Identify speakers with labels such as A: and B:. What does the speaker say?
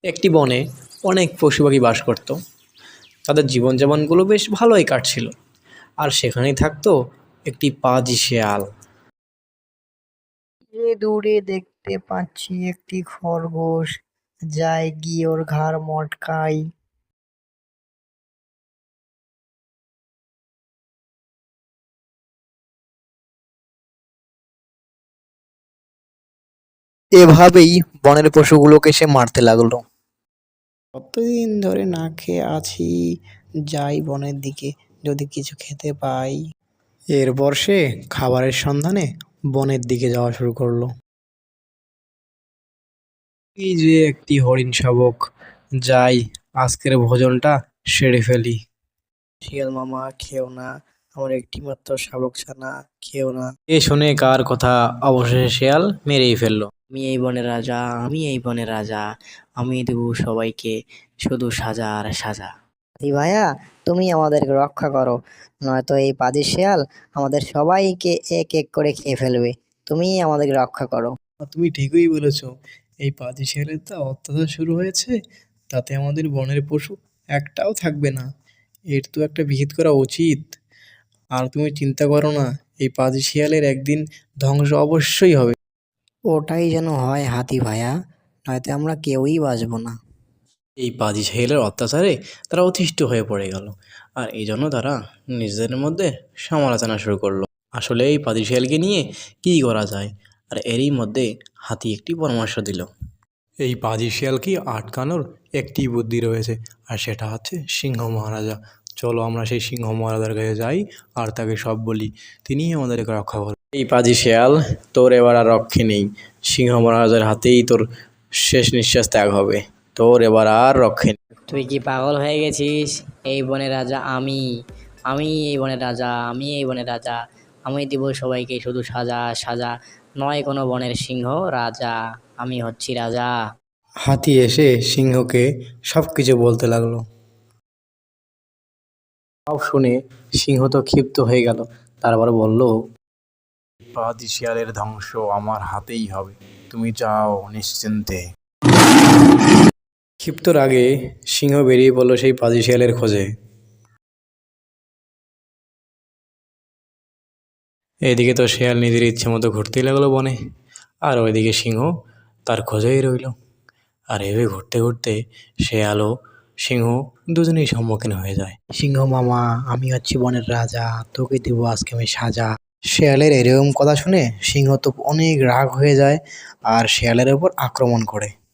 A: একটি বনে অনেক পশু পাখি বাস করত। তাদের জীবনযাপনগুলো বেশ ভালোই কাটছিল। আর সেখানেই থাকতো একটি পাজি শেয়াল।
B: যে দূরে দেখতে পাচ্ছি একটি খরগোশ, যাই গিয়ে ওর ঘাড় মটকাই। এভাবেই বনের পশুগুলোকে সে মারতে লাগলো। কতদিন ধরে না খেয়ে আছি, যাই বনের দিকে, যদি কিছু খেতে পাই। এরপর সে খাবারের সন্ধানে বনের দিকে যাওয়া শুরু করলো।
A: এই যে একটি হরিণ শাবক, যাই আজকের ভোজনটা সেরে ফেলি।
B: শিয়াল মামা, খেও না, আমার একটি মাত্র শাবক ছানা, খেও না।
A: এ শুনে কার কথা, অবশেষে শেয়াল মেরেই ফেললো।
B: আমি এই বনের রাজা, আমি এই বনের রাজা, আমি দেবো সবাইকে শুধু সাজা আর সাজা। এই ভাইয়া, তুমি আমাদেরকে রক্ষা করো, নয়তো এই পাজি শিয়াল আমাদের সবাইকে এক এক করে খেয়ে ফেলবে। তুমি আমাদেরকে রক্ষা করো।
A: তুমি ঠিকই বলেছ, এই পাজি শিয়ালের তো অত্যাচার শুরু হয়েছে, তাতে আমাদের বনের পশু একটাও থাকবে না। এর তো একটা বিহিত করা উচিত। আর তুমি চিন্তা করো না, এই পাজি শিয়ালের একদিন ধ্বংস অবশ্যই হবে।
B: ওটাই যেন হয় হাতি ভাইয়া, নয়তো আমরা কেউই বাঁচবো না।
A: এই পাজি শিয়ালের অত্যাচারে তারা অতিষ্ঠ হয়ে পড়ে গেল, আর এই জন্য তারা নিজেদের মধ্যে সমালোচনা শুরু করলো। আসলে এই পাজি শিয়ালকে নিয়ে কী করা যায়। আর এরই মধ্যে হাতি একটি পরামর্শ দিল। এই পাজি শিয়ালকে আটকানোর একটি বুদ্ধি রয়েছে, আর সেটা হচ্ছে সিংহ মহারাজা। চলো আমরা সেই সিংহ মহারাজার কাছে যাই আর তাকে সব বলি, তিনিই আমাদেরকে রক্ষা করবেন। এই পাজি শিয়াল, তোর এবার আর রক্ষে নেই। সিংহ মহারাজার হাতেই তোর শেষ নিঃশ্বাস ত্যাগ হবে। তোর এবার আর রক্ষে নেই।
B: তুই কি পাগল হয়ে গেছিস? এই বনের রাজা আমি, আমি এই বনের রাজা, আমি এই বনের রাজা, আমি দিব সবাইকে শুধু সাজা সাজা, নয় কোনো বনের সিংহ রাজা, আমি হচ্ছি রাজা।
A: হাতি এসে সিংহকে সব কিছু বলতে লাগলো। সব শুনে সিংহ তো ক্ষিপ্ত হয়ে গেল। তারপর বলল, পাজি শিয়ালের ধ্বংস আমার হাতেই হবে, তুমি যাও নিশ্চিন্তে। ক্ষিপ্ত রাগে সিংহ বেরিয়ে পড়ল সেই পাজি শিয়ালের খোঁজে। এদিকে তো শেয়াল নিজের ইচ্ছে মতো ঘুরতেই লাগলো বনে, আর ওইদিকে সিংহ তার খোঁজেই রইল। আর এভাবে ঘুরতে ঘুরতে শেয়াল ও সিংহ দুজনেই সম্মুখীন হয়ে যায়।
B: সিংহ মামা, আমি হচ্ছি বনের রাজা, তোকে দেবো আজকে আমি সাজা। শেয়ালের এরকম কথা শুনে সিংহ তো অনেক রাগ হয়ে যায় আর শেয়ালের ওপর আক্রমণ করে।